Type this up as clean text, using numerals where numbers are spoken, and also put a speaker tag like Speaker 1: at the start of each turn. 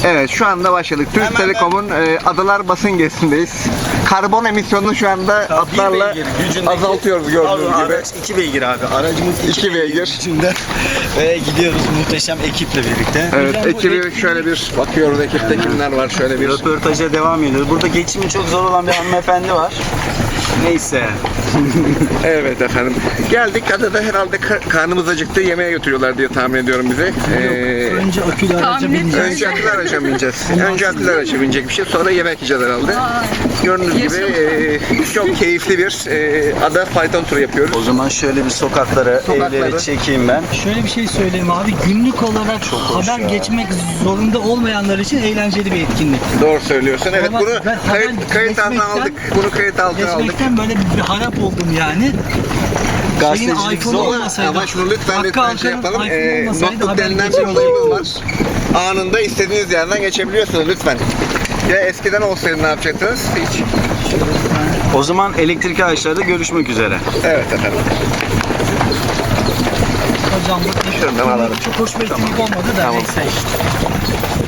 Speaker 1: Evet, şu anda başladık. Türk
Speaker 2: Hemen
Speaker 1: Telekom'un Adalar basın gezindeyiz. Karbon emisyonunu şu anda atlarla azaltıyoruz gördüğünüz gibi.
Speaker 2: Araç 2 beygir abi. Aracımız
Speaker 1: 2 beygir.
Speaker 2: içinde. Ve gidiyoruz muhteşem ekiple birlikte.
Speaker 1: Evet,
Speaker 2: Hocam, bu
Speaker 1: ekibi şöyle bir bakıyoruz, ekipte kimler var şöyle bir.
Speaker 2: Röportaja devam ediyoruz. Burada geçimi çok zor olan bir hanımefendi var. Neyse.
Speaker 1: Evet efendim. Geldik, adada herhalde karnımız acıktı, yemeğe götürüyorlar diye tahmin ediyorum bizi.
Speaker 3: Önce akülü araca bineceğiz.
Speaker 1: Önce akülü araca bineceğiz. Önce akülü araca binecek bir şey, sonra yemek yiyeceğiz herhalde. Gördüğünüz gibi çok keyifli bir ada fayton turu yapıyoruz.
Speaker 2: O zaman şöyle bir sokaklara, evleri çekeyim ben.
Speaker 3: Şöyle bir şey söyleyeyim abi. Günlük olarak
Speaker 2: hoş
Speaker 3: haber
Speaker 2: ya.
Speaker 3: geçmek zorunda olmayanlar için eğlenceli bir etkinlik.
Speaker 1: Doğru söylüyorsun. Evet,
Speaker 3: Ama
Speaker 1: bunu
Speaker 3: ben
Speaker 1: kayıt altına
Speaker 3: geçmekten-
Speaker 1: aldık. Bunu kayıt altına aldık.
Speaker 3: Geçmekten böyle bir harap oldum yani.
Speaker 2: Gazetecilik
Speaker 3: iPhone
Speaker 2: zor.
Speaker 3: olmasaydı.
Speaker 1: Ama şunu lütfen
Speaker 3: Hakkı
Speaker 1: şey
Speaker 3: Alkan'ın
Speaker 1: yapalım.
Speaker 3: iPhone olmasaydı
Speaker 1: Notebook
Speaker 3: haber
Speaker 1: denilen bir
Speaker 3: geçemezdik.
Speaker 1: olayımız var. Anında istediğiniz yerden geçebiliyorsunuz lütfen. Ya eskiden olsaydı ne yapacaktınız? Hiç.
Speaker 2: O zaman elektrikli araçlarda görüşmek üzere.
Speaker 1: Evet efendim.
Speaker 3: Hocam bu
Speaker 1: Şuradan alalım.
Speaker 3: çok hoş bir etkinlik olmadı da
Speaker 1: Tamam.
Speaker 3: neyse işte.